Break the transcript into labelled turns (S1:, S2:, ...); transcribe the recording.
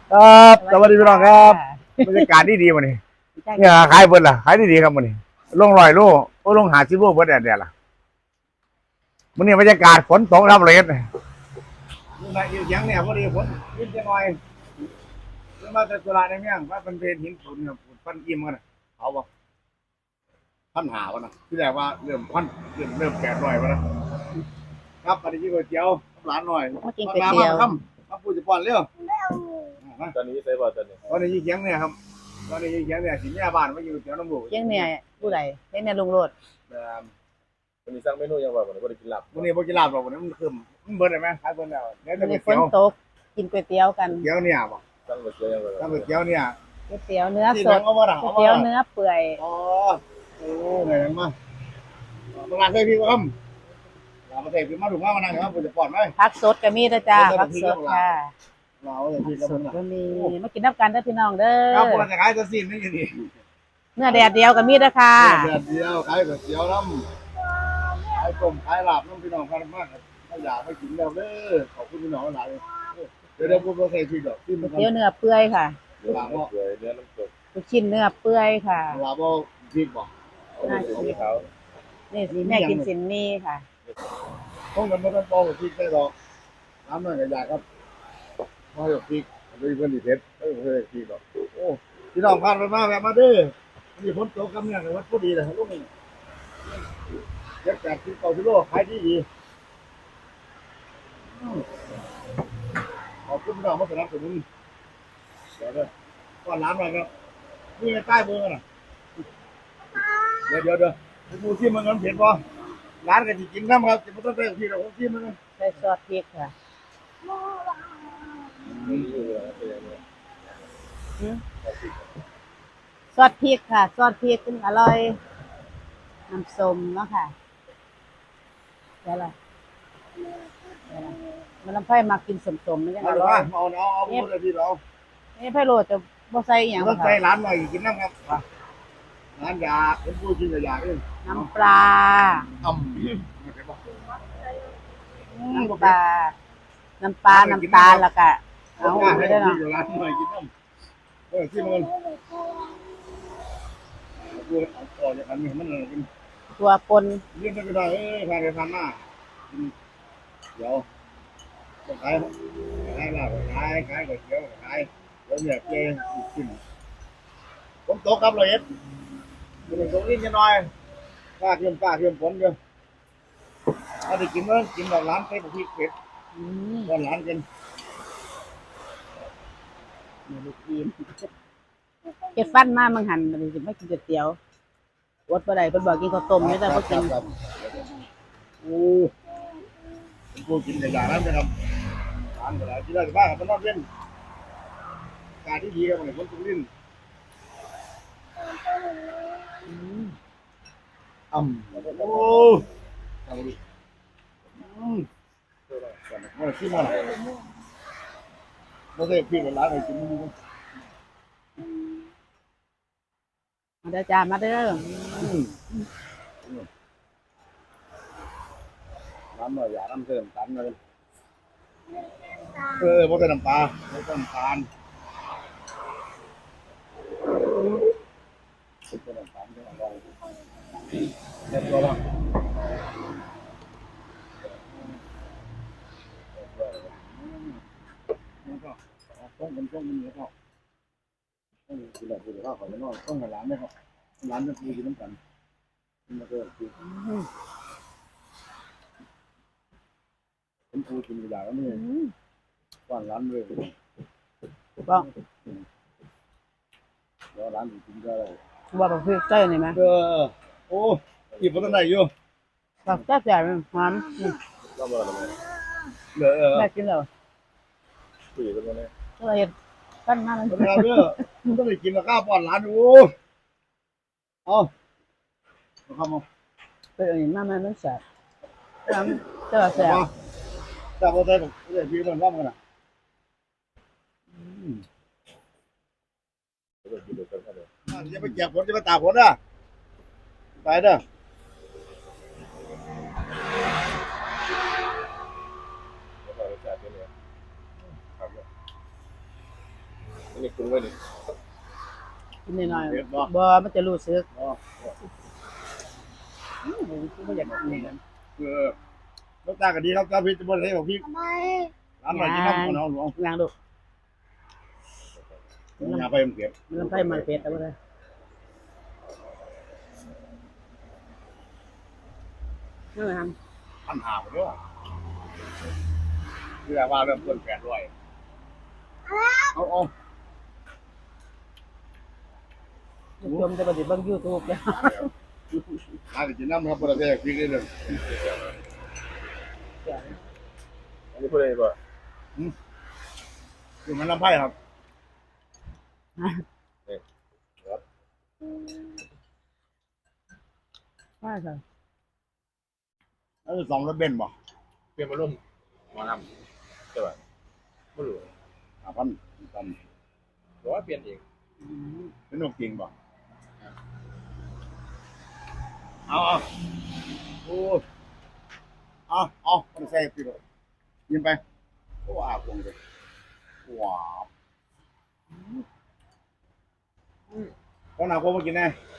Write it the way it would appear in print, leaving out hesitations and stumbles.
S1: ครับสวัสดีพี่น้องครับบรรยากาศดีวันนี้เนี่ยขายเบิดล่ะขายดีครับวันนี้ลง100 โลโอ้ลง50 โลเบิดแดดล่ะวันนี้บรรยากาศฝนตกครับเลยนี่มาอยู่ยังเนี่ยพอดีฝนยิ้มจะหน่อยมาแต่ตุลาในเมืองว่าเป็นเพลหินฝุ่นเนี่ยฟันอิ่มกันนะเอาบ่พันหาวะนะที่แรกว่าเริ่มพันเริ่ม800วะนะครับปฏิกิริยาเจียวร้านหน่อย
S2: มากินก๋วยเตี๋ยว
S1: มาพูดจะป้อนเร็ว
S3: ตอนนี้ใส่บอตอนนี้
S1: ตอนนี้ยี่เขียงเนี่ยครับตอนนี้ยี่เขียงเนี่ยสิเนี่ยบ้านมาอยู่เตี๋ยวน้ำลูก
S2: เลี้ยงเนี่ยผู้ใดเลี้ยงเนี่ยลุงโรด
S3: วันนี้สร้างเมนูยังว่าวันนี้บ่ได้กินหลับ
S1: วันนี้บ่กินลาบหรอกวันนี้มันคืมมันเบิดได้ไหมขายเบิดแล้วเดี๋ยวจะไป
S2: มีฝ
S1: เตี๋ย
S2: น
S1: ว
S2: ตกกินก๋วยเตี๋ยวกัน
S1: เตี๋ยวเนี่ยบ่
S3: สร้างก๋วยเตี๋ยวยังว่า
S1: ถ้าเตี๋ยวเนี่ย
S2: ก๋วยเตี๋ยวเนื้อสด
S1: เอามา
S2: ก๋วยเตี๋ยวเนื้อเปื่อย
S1: อ๋อโอ้ไงมาตลาดเคยพี่ครับลาประเทศพี่มาถูกมานั่งครับผมจะปลอดไหม
S2: ผักสดก็มีนะจ้าผักสดค่ะ
S1: เราจะพี่
S2: ผัก
S1: กับ
S2: ส
S1: มึ
S2: ด
S1: ง
S2: ก็มีมากินน้ำกันเด้อพี่น้องเด้อ
S1: ครับผมจะขายตัวซีนนี่นี่
S2: เนื้อแดดเดียวก็มีนะค่ะ
S1: เดือนเดียวขายก๋วยเตี๋ยวน้ำขายต้มขายลาบน้ำพี่น้องกันมากถ้าอยากไปกินแล้วเด้อขอบคุณพี่น้องหลายเดี๋ยวผมจะใส่พี่ดอกที่มัน
S2: ก๋วยเตี๋ยวเนื้อเปื่อยค่ะ
S1: ลาบ
S3: เปื่อยเนื้อน้ำตก
S2: ลูกชิ้นเนื้อเปื่อยค่ะ
S1: ลาบพี่บอก
S3: สีขาว
S2: นี่สิแม่กินสินนี่ค่ะ
S1: ต้องกันไม่ต้องปอกพริกได้หรอกน้ำหน่อยก็อยากครับมาหยกพริกด้วยเพื่อนดีเพชรเออเพื่อนพริกหรอกโอ้พี่น้องผ่านไปมาแบบมาเด้อมีฝนตกกำเนี่ยวัดพอดีเลยลูกนี่เจ็ด8 10 9 โลขายดีขอบคุณพี่น้องมาสนับสนุนเดี๋ยวก้อนร้านหน่อยครับนี่ใต้เบอร์น่ะเดี๋ยวดูที่มันเงินเผ็ดป่ะร้านก็จะกินน้ำครับจะไม่ต้องไปที่เราที่มัน
S2: ใส่ซอสพริกค่ะ ซอสพริกค่ะซอสพริกขึ้นอร่อยน้ำส้มเนาะค่ะเดี๋ยวละมันน้ำไผ่มากินส้มๆมันยังอ
S1: เอา
S2: ร่อย
S1: เอาหมดเลยที่เรา
S2: นี่ไผ่โรดจะบ่ใส่อหย่าง
S1: ต้อง
S2: ค่ะ
S1: ใส่ร้านหน่อยกินน้ำครับร้านยาเป็นผู้กินยาเอง
S2: น้ำปลา
S1: อ่ำ
S2: น้ำปลาน้ำปลาน้ำตาลแล้วก็เอา
S1: ให้
S2: ไม่ได้
S1: ได้
S2: เนาะ
S1: ร้านหน่อยกินน้ำที่มันตัวต่อจากนั้นมันกิน
S2: ตัวปน
S1: เรื่องไม่ได้ผ่านไปผ่านมาเดี๋ยวขายลาบขายก๋วยเตี๋ยวขายแล้วเนี่ยเจ๊กินผมตกครับเลยมันตกนิดหน่อยป้าเทียมฝนเดียวถ้าได้กินแล้วกินแบบร้านใส่พริกเผ็ด
S2: อืม
S1: ตอนร้านกัน
S2: ลูกทีมเก็ดฟันมามังหันมันสิไม่กินก๋วยเตี๋ยวอดบ่ได้เพิ่นบอกกินข้าวต้มนี่แต่บ่กิน
S1: โอ้ผมพูดกินแต่อย่างนั้นนะครับร้านอะไรที่ได้บ้างครับมันนอกเล่นการที่ดีครับเนี่ยคนตุลินอ่ำโอ้เอาดิมันขี้มันไม่ได้พี่เป็นร้านไหนกินมัน
S2: มาเด้อจ้ามาเด้อ
S1: น้ำหน่อยอย่าน้ำเติมตันเลยเพราะเป็นน้ำปลาไม่ต้องน้ำตาลเป็นน้ำตาลเป็นอะไรเด็ดตัวละต้องเป็นต้องเป็นเนื้อเขาต้องกินแบบกินข้าวขอไม่น้อยต้องให้ร้านไหมครับร้านจะพูดกินน้ำกันมาเจอคือผมพูดกินกระดาษแล้วนี่ก่อนร้านเลย
S2: บอก
S1: แล้วร้านกินก็ได้
S2: บอกแบบพี่ใจนี่ไหม
S1: โอ้หยิบมาตั้งไหนอยู่
S2: บอกแซ่บแซ่บหอม
S3: รอบอะไร
S2: แม่กินแล้ว
S3: คุยกันมาเนี่ย
S2: ก็เห็ดปั้นมามัน
S1: ตั้งไหนเด้อมึงต้องไปกินกับข้าวป้อนร้านโอ้เอาเข้ามา
S2: เป็นอันนี้มามันแซ่บเจ้าแซ่บ
S1: จากว่าใจผมจะพี่มันร่ำกันนะ
S3: กินเดือดกันเลย
S1: จะไปเก็บผลจะไปตากผลนะไปเด้อ
S3: แล้วก็รสชาติเป็นไงครับอันนี้ปรุงไว้นี่
S2: กินหน่อยๆบ่มันจะรู้สึกบ่อยากกิน
S1: รสชาติก็ดีครับเจ้าพี่จะบ่ได้บอกพี่ร้านหน่อยกินน้ำมันเอาหลวง
S2: อย่างลูก
S1: อย่าไปมันเก็บ
S2: มันลำไส้มันเป็ดเอาบ่ได้นั่นแหละครับ
S1: พันหาไปด้วยคือว่าเริ่มต้น800เอา
S2: ชมจะบ่ได้เบิ่ง YouTube แล้ว
S1: หากินน้ำครับประเทศพี่เลย
S3: อันนี้พูดได้ป่ะ
S1: คือมันลำไส้ครับ
S2: ว่าจ้ะ
S1: แล้วสองรถเบนซ์บ่
S3: เปลี่ยนมาร่วมหมอลำใช่ป่ะไม่รู้
S1: 5,000ตัน
S3: หรือว่าเปลี่ยนเอง
S1: เป็นนกจริงบ่เอาโอ้เอามันใส่พี่เลยยิงไปโอ้อาคงเลยว้าวก็หนาโคมากินแน่